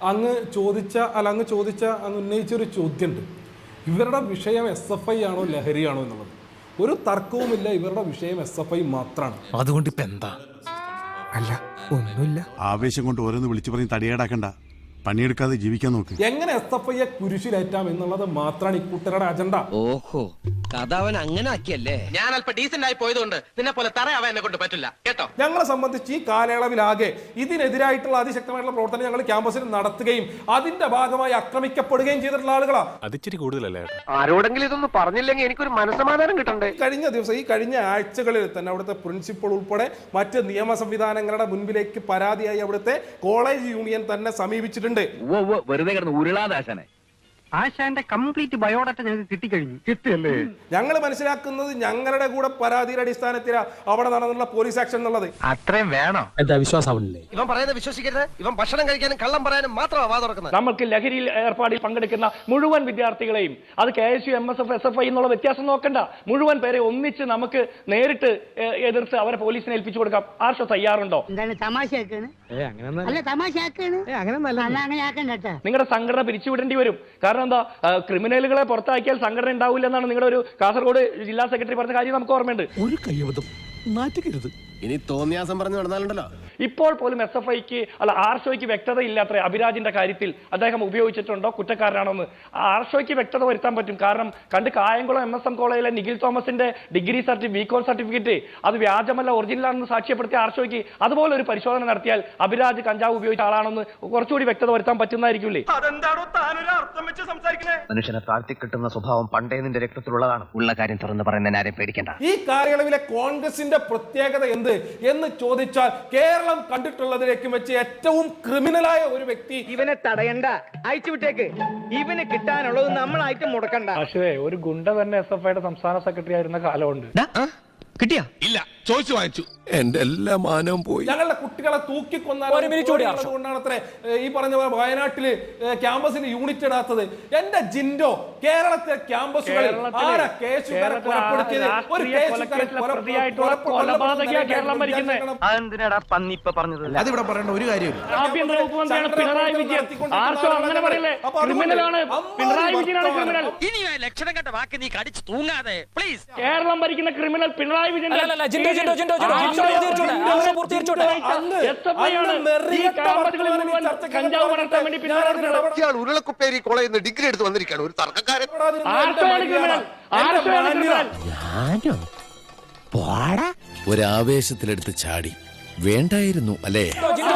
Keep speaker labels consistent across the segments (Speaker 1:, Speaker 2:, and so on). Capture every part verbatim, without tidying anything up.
Speaker 1: അങ്ങ് ചോദിച്ച അല്ല അങ്ങ് ചോദിച്ച അങ്ങ് ഉന്നയിച്ചൊരു ചോദ്യമുണ്ട്. ഇവരുടെ വിഷയം എസ് എഫ് ഐ ആണോ ലഹരിയാണോ എന്നുള്ളത്. ഒരു തർക്കവുമില്ല, ഇവരുടെ വിഷയം എസ് എഫ് ഐ മാത്രമാണ്.
Speaker 2: അതുകൊണ്ട് ഇപ്പൊ എന്താ?
Speaker 3: അല്ല ഒന്നുമില്ല.
Speaker 4: ആവേശം കൊണ്ട് ഓരോന്ന് വിളിച്ചു പറഞ്ഞ് തടിയേടാക്കണ്ട, പണിയെടുക്കാതെ ജീവിക്കാൻ നോക്ക്.
Speaker 1: എങ്ങനെ എസ് എഫ് ഐയെ കുരിശിലേറ്റാം എന്നുള്ളത് മാത്രമാണ് ഈ കൂട്ടരുടെ അജണ്ട.
Speaker 5: ഓഹോ, കഥ അവൻ അങ്ങനെ ആക്കിയല്ലേ. ഞാൻ അല്പം ഡീസന്റ് ആയി പോയതുകൊണ്ട് നിന്നെ പോലെ തറയാവാൻ എന്നെ കൊണ്ട് പറ്റില്ല കേട്ടോ.
Speaker 1: ഞങ്ങളെ സംബന്ധിച്ച് ഈ കാലയളവിലാകെ ഇതിനെതിരായിട്ടുള്ള അതിശക്തമായിട്ടുള്ള പ്രവർത്തനം ഞങ്ങൾ ക്യാമ്പസിൽ നടത്തുകയും അതിന്റെ ഭാഗമായി ആക്രമിക്കപ്പെടുകയും ചെയ്തിട്ടുള്ള ആളുകളാണ്.
Speaker 2: അതിച്ചിരി കൂടുതലല്ലേ?
Speaker 5: ആരോടെങ്കിലും ഇതൊന്നും പറഞ്ഞില്ലെങ്കിൽ എനിക്കൊരു മനസ്സമാധാനം കിട്ടണ്ടേ.
Speaker 1: കഴിഞ്ഞ ദിവസം ഈ കഴിഞ്ഞ ആഴ്ചകളിൽ തന്നെ അവിടുത്തെ പ്രിൻസിപ്പൾ ഉൾപ്പെടെ മറ്റ് നിയമ സംവിധാനങ്ങളുടെ മുൻപിലേക്ക് പരാതിയായി അവിടുത്തെ കോളേജ് യൂണിയൻ തന്നെ സമീപിച്ചിട്ടുണ്ട്.
Speaker 5: വെറുതെ കിടന്ന് ഉരുളാദാശനെ ആശാന്റെ കംപ്ലീറ്റ് ബയോഡാറ്റ ഞങ്ങൾക്ക് കിട്ടിക്കഴിഞ്ഞു. കിട്ടിയല്ലേ?
Speaker 1: ഞങ്ങൾ മനസ്സിലാക്കുന്നത് ഞങ്ങളുടെ കൂടെ പരാതിയുടെ അടിസ്ഥാനത്തിലാണ് അവിടെ നടന്നുള്ള പോലീസ് ആക്ഷൻ എന്നുള്ളത്.
Speaker 5: അത്രയും വേണോ?
Speaker 3: എന്താ വിശ്വാസമാവില്ലേ?
Speaker 5: ഇവൻ പറയുന്നത് വിശ്വസിക്കരുത്. ഇവൻ ഭക്ഷണം കഴിക്കാനും കള്ളം പറയാനും മാത്രമാണ് വാ തുറക്കുന്നത്.
Speaker 6: നമുക്ക് ലഹരിയിൽ ഏർപ്പാടിൽ പങ്കെടുക്കുന്ന മുഴുവൻ വിദ്യാർത്ഥികളെയും അത് K S U, M S F, S F I എന്നുള്ള വ്യത്യാസം നോക്കണ്ട, മുഴുവൻ പേരെ ഒന്നിച്ച് നമുക്ക് നേരിട്ട് എതിർത്ത് അവരെ പോലീസിനെ ഏൽപ്പിച്ചു കൊടുക്കാം. ആർഷോ തയ്യാറുണ്ടോ? നിങ്ങളുടെ സംഘടന പിരിച്ചുവിടേണ്ടി വരും. കാരണം എന്താ, ക്രിമിനലുകളെ പുറത്താക്കിയാൽ സംഘടന ഉണ്ടാവില്ല എന്നാണ് നിങ്ങളുടെ ഒരു കാസർഗോഡ് ജില്ലാ സെക്രട്ടറി പറഞ്ഞ കാര്യം നമുക്ക് ഓർമ്മയുണ്ട്.
Speaker 2: ഒരു കയ്യബദ്ധം നാറ്റുകരുത്.
Speaker 5: ഇനി തോന്നിയാസം പറഞ്ഞു നടന്നാലുണ്ടല്ലോ.
Speaker 6: ഇപ്പോൾ പോലും എസ് എഫ് ഐക്ക് അല്ല ആർഷോയ്ക്ക് വ്യക്തത ഇല്ലാത്ര അഭിരാജിന്റെ കാര്യത്തിൽ അദ്ദേഹം ഉപയോഗിച്ചിട്ടുണ്ടോ, കുറ്റക്കാരനാണോന്ന്. ആർഷോയ്ക്ക് വ്യക്തത വരുത്താൻ പറ്റും. കാരണം കണ്ട് കായംകുളം എം എസ് എം കോളേജിലെ നിഖിൽ തോമസിന്റെ ഡിഗ്രി സർട്ടിഫിക്കറ്റ് ബികോം സർട്ടിഫിക്കറ്റ് അത് വ്യാജമല്ല ഒറിജിനലാണെന്ന് സാക്ഷ്യപ്പെടുത്തിയ ആർഷോയ്ക്ക് അതുപോലെ ഒരു പരിശോധന നടത്തിയാൽ അഭിരാജ് കഞ്ചാവ് ഉപയോഗിച്ച ആളാണെന്ന് കുറച്ചുകൂടി വ്യക്തത വരുത്താൻ പറ്റുന്നതായിരിക്കില്ലേ?
Speaker 5: മനുഷ്യനെ താഴ്ത്തി കിട്ടുന്ന സ്വഭാവം പണ്ടേ നിന്റെ രക്തത്തിലുള്ളതാണ്. ഉള്ള കാര്യം തുറന്ന് പറയുന്നതിന് ആരെയും പേടിക്കണ്ട.
Speaker 1: ഈ കാലയളവിലെ കോൺഗ്രസിന്റെ പ്രത്യേകത എന്ത് എന്ന് ചോദിച്ചാൽ കേരളം കണ്ടിട്ടുള്ളതിലേക്കും വെച്ച് ഏറ്റവും ക്രിമിനലായ ഒരു വ്യക്തി.
Speaker 7: ഇവനെ തടയണ്ട, അയച്ചു വിട്ടേക്ക്. ഇവന് കിട്ടാനുള്ളത് നമ്മളായിട്ട് മുടക്കണ്ട.
Speaker 6: പക്ഷേ ഒരു ഗുണ്ട തന്നെ എസ് എഫ് ഐയുടെ സംസ്ഥാന സെക്രട്ടറി ആയിരുന്ന കാലമുണ്ട്.
Speaker 5: കിട്ടിയാ?
Speaker 2: ഇല്ല, ചോദിച്ചു വാങ്ങിച്ചു. എന്റെ എല്ലാ മാനവും പോയി.
Speaker 1: ഞങ്ങളുടെ കുട്ടികളെ തൂക്കിക്കൊണ്ടാണ് അത്ര ഈ പറഞ്ഞ വയനാട്ടില് ക്യാമ്പസിൽ യൂണിറ്റ് ഇടാത്തത്. എന്റെ ജിൻഡോ, കേരളത്തിലെ ക്യാമ്പസുകളിൽ ആരാ കേസുകാരെ കൊലപ്പെടുത്തിയത്? ഒരു
Speaker 7: അതെന്തിനാടാ പന്നി ഇപ്പൊ പറഞ്ഞത്?
Speaker 3: അതിവിടെ പറയേണ്ട ഒരു കാര്യമില്ല.
Speaker 6: ആഭ്യന്തര വകുപ്പ് മന്ത്രിയാണ് പിണറായി വിജയൻ. ആർഷോ അങ്ങനെ പറയല്ലേ? ക്രിമിനലാണ് പിണറായി വിജയനാണ് ക്രിമിനൽ.
Speaker 5: ഇനി ലക്ഷണം കണ്ട വാക്ക് നീ കടിച്ചു തൂങ്ങാതെ പ്ലീസ്.
Speaker 6: കേരളം ഭരിക്കുന്ന ക്രിമിനൽ പിണറായി വിജയൻ.
Speaker 5: ഉരുളക്കുപ്പേരി കോളേജിൽ നിന്ന് ഡിഗ്രി എടുത്ത് വന്നിരിക്കുകയാണ് ഒരു തർക്കക്കാരൻ.
Speaker 2: ഒരാവേശത്തിലെടുത്ത് ചാടി വേണ്ടായിരുന്നു അല്ലേ?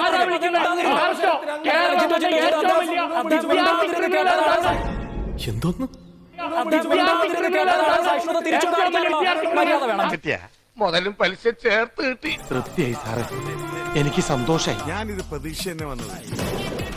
Speaker 2: എന്തോന്ന്
Speaker 5: മുതലും പലിശ ചേർത്ത് കിട്ടി.
Speaker 2: തൃപ്തിയായി സാറേ, എനിക്ക് സന്തോഷായി.
Speaker 4: ഞാനിത് പ്രതീക്ഷ തന്നെ വന്നത്.